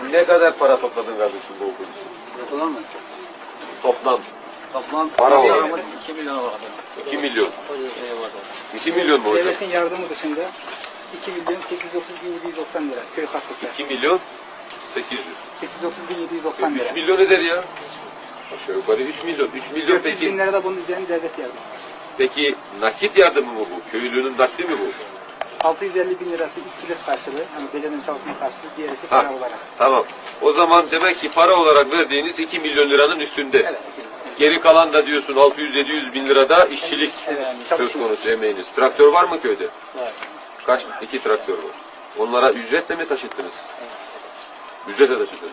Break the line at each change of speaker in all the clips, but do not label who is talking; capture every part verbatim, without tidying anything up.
Ne kadar para topladın kardeşim bu okul için?
Yapılan mı?
Toplam.
Toplam
Para olarak.
iki milyon var.
iki milyon.
Öyle şey var.
iki milyon mu hocam?
Devletin yardımı dışında iki milyon sekiz yüz otuz bin yedi yüz doksan lira köy katkısı.
iki milyon sekiz yüz.
sekiz yüz otuz bin yedi yüz doksan lira.
üç milyon eder ya. Aşağı yukarı üç milyon. üç milyon
dört yüz
peki.
bin lira da bunun üzerine devlet yardımı.
Peki nakit yardımı mı bu? Köylünün nakdi mi bu?
altı yüz elli bin lirası işçilik karşılığı, yani bedenin çalışma karşılığı, diğerisi
Ha,
para olarak.
tamam. O zaman demek ki para olarak verdiğiniz iki milyon liranın üstünde.
Evet.
Geri kalan da diyorsun altı yüz yedi yüz bin lirada işçilik
Evet,
söz
çalışma.
konusu emeğiniz. Traktör var mı köyde?
Var.
Kaç? İki traktör var. Onlara ücretle mi taşıttınız? Ücretle taşıttınız.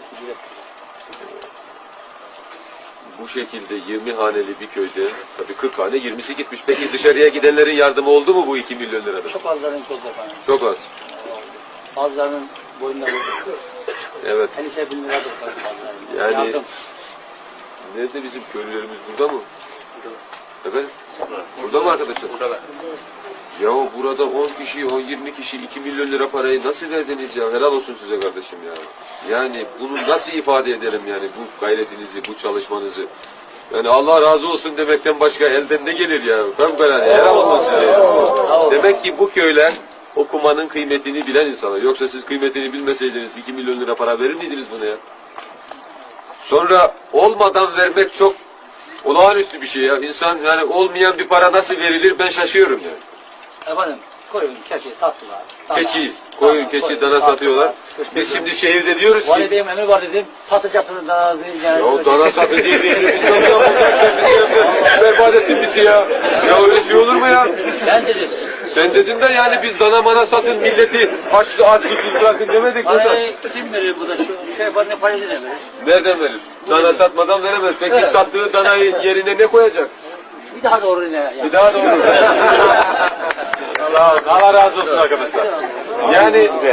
Bu şekilde yirmi haneli bir köyde, tabii kırk hane yirmisi gitmiş. Peki dışarıya gidenlerin yardımı oldu mu bu iki milyon lirada?
Çok azların çok efendim.
Çok az.
Bazılarının boyunda vurdu.
Evet.
Endişe bin liradır bazılarının.
Yani
Yardım.
nerede bizim köylülerimiz, burada mı? Efendim? Burada mı arkadaşlar?
Burada.
Ya burada on kişi, on yirmi kişi iki milyon lira parayı nasıl verdiniz ya? Helal olsun size kardeşim ya. Yani bunu nasıl ifade edelim yani bu gayretinizi, bu çalışmanızı? Yani Allah razı olsun demekten başka elden ne gelir ya? Fevkalade helal olsun size ya. Demek ki bu köyler okumanın kıymetini bilen insanlar. Yoksa siz kıymetini bilmeseydiniz iki milyon lira para verir miydiniz buna ya? Sonra olmadan vermek çok olağanüstü bir şey ya. İnsan yani olmayan bir para nasıl verilir ben şaşıyorum yani.
Efendim koyun, keçi sattılar. Dana,
Keçi, koyun,
dana,
keçi,
koyun
dana satıyorlar. Biz şimdi şehirde diyoruz ki
Valideyim emir var dedim. Satacaksınız dana. Yani
ya dana satı diye bir biz berbat ettin bizi ya. Ya öyle şey olur mu ya?
Ben dedim.
Sen dedin de yani biz dana mana satın milleti açlı aç susuz bırakın demedik burada.
Parayı kim verir bu da şu şey var ne parayı ne verir?
Nereden verir? Dana satmadan veremez. Peki
Evet.
sattığı danayı yerine ne koyacak?
Bir daha doğru ne? Yani.
Bir daha doğru. Allah, Allah razı olsun arkadaşlar. Yani